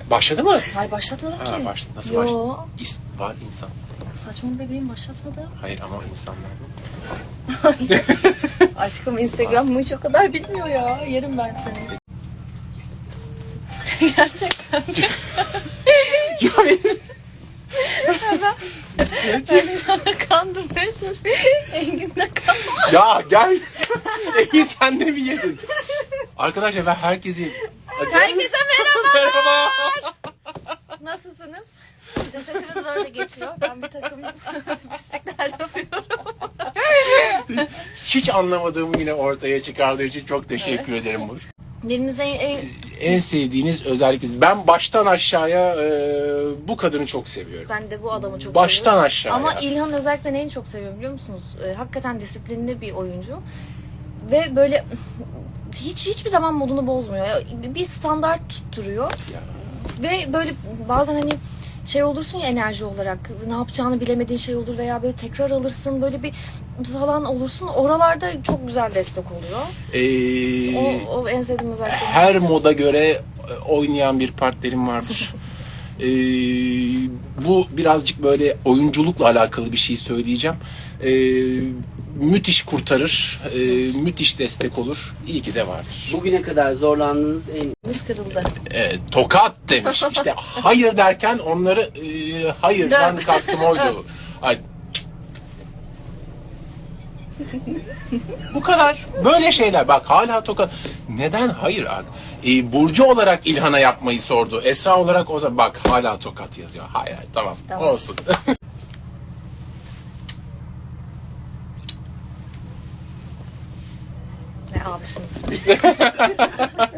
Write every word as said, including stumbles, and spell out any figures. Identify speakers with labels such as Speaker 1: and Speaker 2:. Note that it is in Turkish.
Speaker 1: Başladı mı?
Speaker 2: Hayır başlatmadım
Speaker 1: Ha
Speaker 2: ki.
Speaker 1: başladı. Nasıl
Speaker 2: Yo.
Speaker 1: başladı? İs var insan.
Speaker 2: Saçma bebeğim başlatmadı.
Speaker 1: Hayır ama insanlar.
Speaker 2: Aşkım Instagram'ımı hiç o kadar bilmiyor ya. Yerim ben seni. Gerçekten.
Speaker 1: Ya benim...
Speaker 2: Ben kandırmaya çalışıyorum. Engin'de kalma.
Speaker 1: Ya gel. İyi sen de mi yedin? Arkadaşlar ben herkesi...
Speaker 2: Herkese merhaba.
Speaker 1: Merhaba.
Speaker 2: Nasılsınız? Cesetimiz böyle geçiyor. Ben bir takım pislikler yapıyorum.
Speaker 1: Hiç anlamadığımı yine ortaya çıkardığı için çok teşekkür ederim.
Speaker 2: Birimize en...
Speaker 1: En sevdiğiniz özellikle ben baştan aşağıya e, bu kadını çok seviyorum.
Speaker 2: Ben de bu adamı çok
Speaker 1: Baştan
Speaker 2: seviyorum.
Speaker 1: aşağıya.
Speaker 2: Ama İlhan özellikle neyi çok seviyorum biliyor musunuz? Ee, hakikaten disiplinli bir oyuncu. Ve böyle hiç hiçbir zaman modunu bozmuyor. Ya, bir standart tutturuyor.
Speaker 1: Ya.
Speaker 2: Ve böyle bazen hani şey olursun ya enerji olarak ne yapacağını bilemediğin şey olur veya böyle tekrar alırsın böyle bir falan olursun. Oralarda çok güzel destek oluyor.
Speaker 1: Ee,
Speaker 2: O, o en sevdiğim özellik.
Speaker 1: her moda göre oynayan bir partnerim vardır. Ee, bu birazcık böyle oyunculukla alakalı bir şey söyleyeceğim. Ee, müthiş kurtarır, e, müthiş destek olur. İyi ki de vardır.
Speaker 3: Bugüne kadar zorlandığınız en
Speaker 2: Biz kırıldı.
Speaker 1: Evet, tokat demiş. İşte hayır derken onları e, hayırdan kastım oydu. Ay. Bu kadar. Böyle şeyler. Bak hala tokat. Neden hayır abi? Ee, Burcu olarak İlhan'a yapmayı sordu. Esra olarak o zaman bak hala tokat yazıyor. Hayır, hayır tamam.
Speaker 2: Tamam.
Speaker 1: Olsun.
Speaker 2: Ne almışsınız?